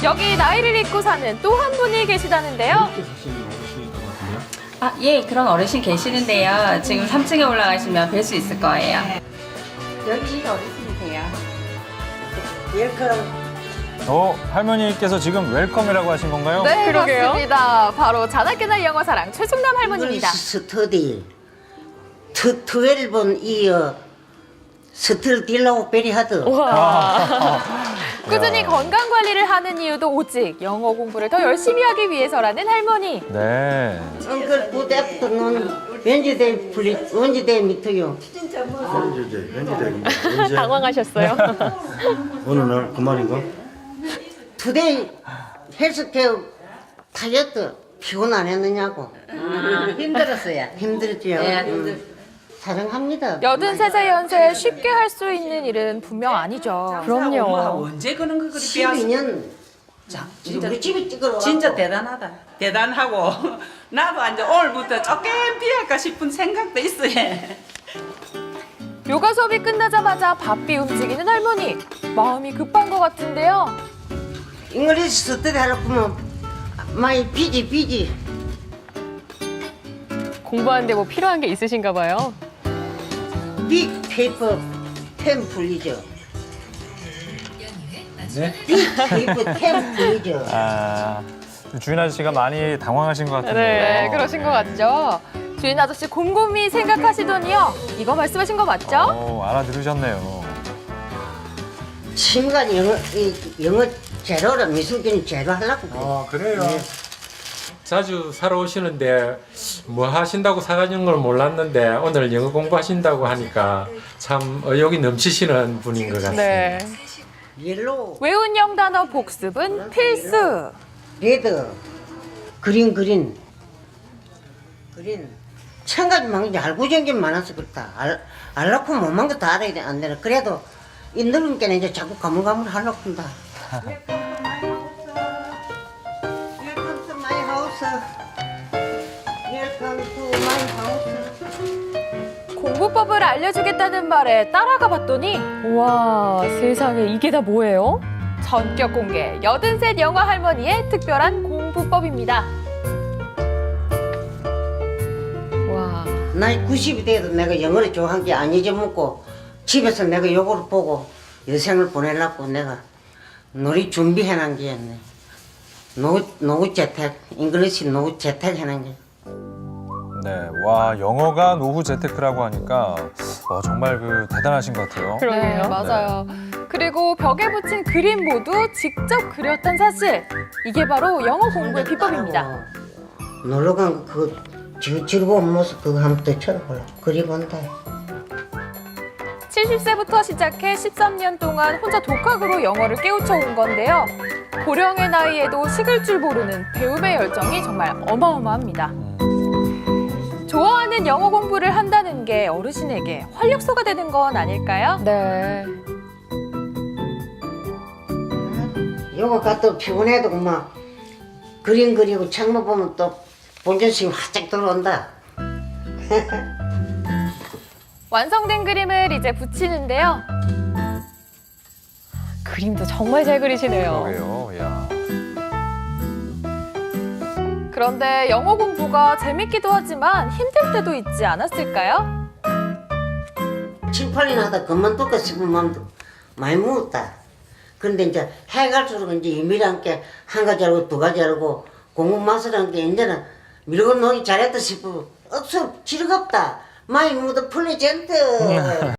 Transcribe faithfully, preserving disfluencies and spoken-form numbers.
여기 나이를 잊고 사는 또 한 분이 계시다는데요. 아, 예, 그런 어르신 계시는데요. 지금 삼 층에 올라가시면 뵐 수 있을 거예요. 여기 어르신이세요. 웰컴. 어, 할머니께서 지금 웰컴이라고 하신 건가요? 네, 그러게요. 그렇습니다. 바로 자나깨나 영어사랑 최중남 할머니입니다. 스터디. 트, 트웰번 이어 스틀 딜라고 베리 하드. 꾸준히 건강 관리를 하는 이유도 오직 영어 공부를 더 열심히 하기 위해서라는 할머니. 네. Uncle, good afternoon. Wednesday, please. Wednesday, meet you. 현재 현재 현재 당황하셨어요? 어느 날 그 말인가? Today, 헬스케어 다이어트 피곤 안 했느냐고. 힘들었어요. 힘들죠? 네, 음. 사랑합니다. 여든세 세 연세에 쉽게 할 수 있는 일은 분명 아니죠. 그럼요. 언제 그런 거 그리 배웠어? 십이 년. 자, 진짜 우리 집에 찍으러 진짜 와갖고. 대단하다. 대단하고 나도 이제 오늘부터 조금 비할까 싶은 생각도 있어요. 요가 수업이 끝나자마자 바삐 움직이는 할머니. 마음이 급한 것 같은데요. 잉글리시 스터디 하려면 많이 비지 비지. 공부하는데 뭐 필요한 게 있으신가 봐요. 빅 페이퍼 펜 풀리죠. 네? 빅 페이퍼 펜 풀리죠. 아, 주인 아저씨가 많이 당황하신 것 같은데요. 네, 그러신 것 같죠? 주인 아저씨 곰곰이 생각하시더니요. 이거 말씀하신 거 맞죠? 어, 알아들으셨네요. 친구가 영어 이, 영어 제로라 미술교는 제로 하려고 그래. 아 그래요? 자주 사러 오시는데 뭐 하신다고 사가는 걸 몰랐는데 오늘 영어 공부하신다고 하니까 참 의욕이 넘치시는 분인 것 같습니다. 네. 옐로우, 외운 영단어 복습은 필수. 레드, 그린 그린, 그린. 천 가지 망인데 알고 전게 많아서 그렇다. 알 알라고 못만 것도 알아야 돼, 안 되나. 그래도 이 늙은 게는 이제 자꾸 가물가물 하려고 한다. Welcome to my house. Welcome to my house. 공부법을 알려주겠다는 말에 따라가 봤더니 우와, 세상에 이게 다 뭐예요? 전격 공개 여든셋 영어 할머니의 특별한 공부법입니다. 와. 나이 구십이 돼도 내가 영어를 좋아한 게 안 잊어먹고 집에서 내가 요거를 보고 여생을 보내려고 내가 놀이 준비해놓은 게였네. 노, 노후 재택, 잉글리시 노후 재택 해놓은 게. 네, 와, 영어가 노후 재테크라고 하니까 어, 정말 그 대단하신 것 같아요. 그러게요. 네, 맞아요. 그리고 벽에 붙인 그림 모두 직접 그렸던 사실. 이게 바로 영어 공부의 비법입니다. 놀러 간그 즐거운 모습 그거 한번 더 쳐다보려. 그리고 온다. 칠십 세부터 시작해 십삼 년 동안 혼자 독학으로 영어를 깨우쳐 온 건데요. 고령의 나이에도 식을 줄 모르는 배움의 열정이 정말 어마어마합니다. 좋아하는 영어 공부를 한다는 게 어르신에게 활력소가 되는 건 아닐까요? 네. 요거 갖다 피곤해도 막 그림 그리고 창문 보면 또 본전심이 활짝 들어온다. 완성된 그림을 이제 붙이는데요. 그림도 정말 잘 그리시네요. 그러게요, 야. 그런데 영어 공부가 재밌기도 하지만 힘들 때도 있지 않았을까요? 칠, 팔 년 하다 그만둘까 싶은 마음도 많이 먹었다. 그런데 이제 해 갈수록 이제 유미랑 게 한 가지 알고 두 가지 알고 공부 마스라는 게 이제는 밀고 놓기 잘했다 싶어. 억수 즐겁다. 마이 무드 플레젠트.